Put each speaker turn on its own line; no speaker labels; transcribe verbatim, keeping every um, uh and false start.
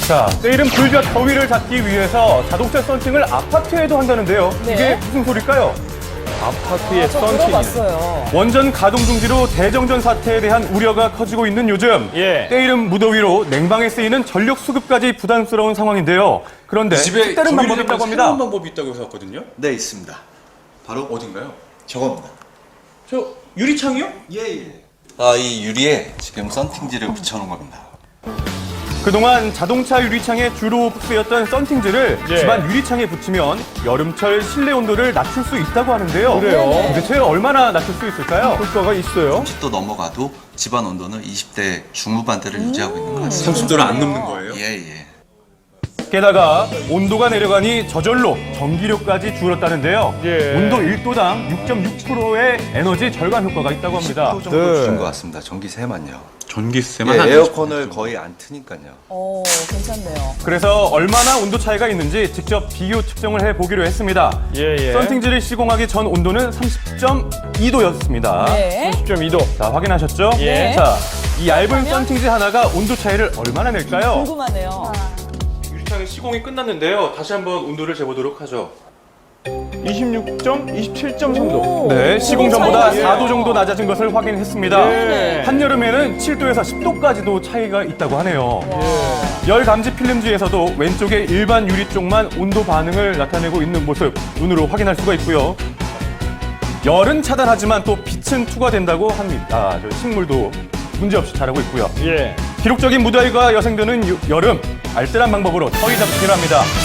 자, 내일은 불볕 더위를 잡기 위해서 자동차 썬팅을 아파트에도 한다는데요.
네.
이게 무슨 소릴까요? 아파트의
아, 저
썬팅이
들어봤어요.
원전 가동 중지로 대정전 사태에 대한 우려가 커지고 있는 요즘
예.
때이른 무더위로 냉방에 쓰이는 전력 수급까지 부담스러운 상황인데요. 그런데
집에
특다른 방법이 있다고 합니다.
새로운 방법이 있다고 해서 왔거든요.
네, 있습니다.
바로 어딘가요?
저겁니다.
저 유리창이요?
예, 예. 아, 이 유리에 지금 썬팅지를 붙여놓은 겁니다.
그동안 자동차 유리창에 주로 쓰였던 썬팅지를
예.
집안 유리창에 붙이면 여름철 실내 온도를 낮출 수 있다고 하는데요.
그래요?
네네.
도대체 얼마나 낮출 수 있을까요?
효과가 있어요?
삼십 도 넘어가도 집안 온도는 이십 대 중후반대를 유지하고 있는 것 같습니다.
삼십 도를 안 넘는 거예요?
예, 예.
게다가 온도가 내려가니 저절로 전기료까지 줄었다는데요.
예.
온도 일 도당 육 점 육 퍼센트의 에너지 절감 효과가 있다고 합니다.
십 퍼센트 정도
네.
줄인 것 같습니다. 전기세만요.
전기세만
예,
한
에어컨을 거의 안 트니까요.
오, 괜찮네요.
그래서 얼마나 온도 차이가 있는지 직접 비교 측정을 해보기로 했습니다.
예, 예.
썬팅지를 시공하기 전 온도는 삼십 점 이 도였습니다.
네.
삼십 점 이 도.
자, 확인하셨죠?
예.
자, 이 얇은
그러면?
썬팅지 하나가 온도 차이를 얼마나 낼까요?
궁금하네요.
유리창의 시공이 끝났는데요. 다시 한번 온도를 재보도록 하죠.
이십육 점, 이십칠 점 삼 도.
오,
네, 시공
차이가
전보다
있어요.
사 도 정도 낮아진 것을 확인했습니다.
예.
한여름에는 칠 도에서 십 도까지도 차이가 있다고 하네요.
와.
열 감지 필름지에서도 왼쪽의 일반 유리 쪽만 온도 반응을 나타내고 있는 모습 눈으로 확인할 수가 있고요. 열은 차단하지만 또 빛은 투과된다고 합니다. 아, 저 식물도 문제없이 자라고 있고요.
예.
기록적인 무더위가 여생되는 유- 여름, 알뜰한 방법으로 더위 잡기 필요합니다.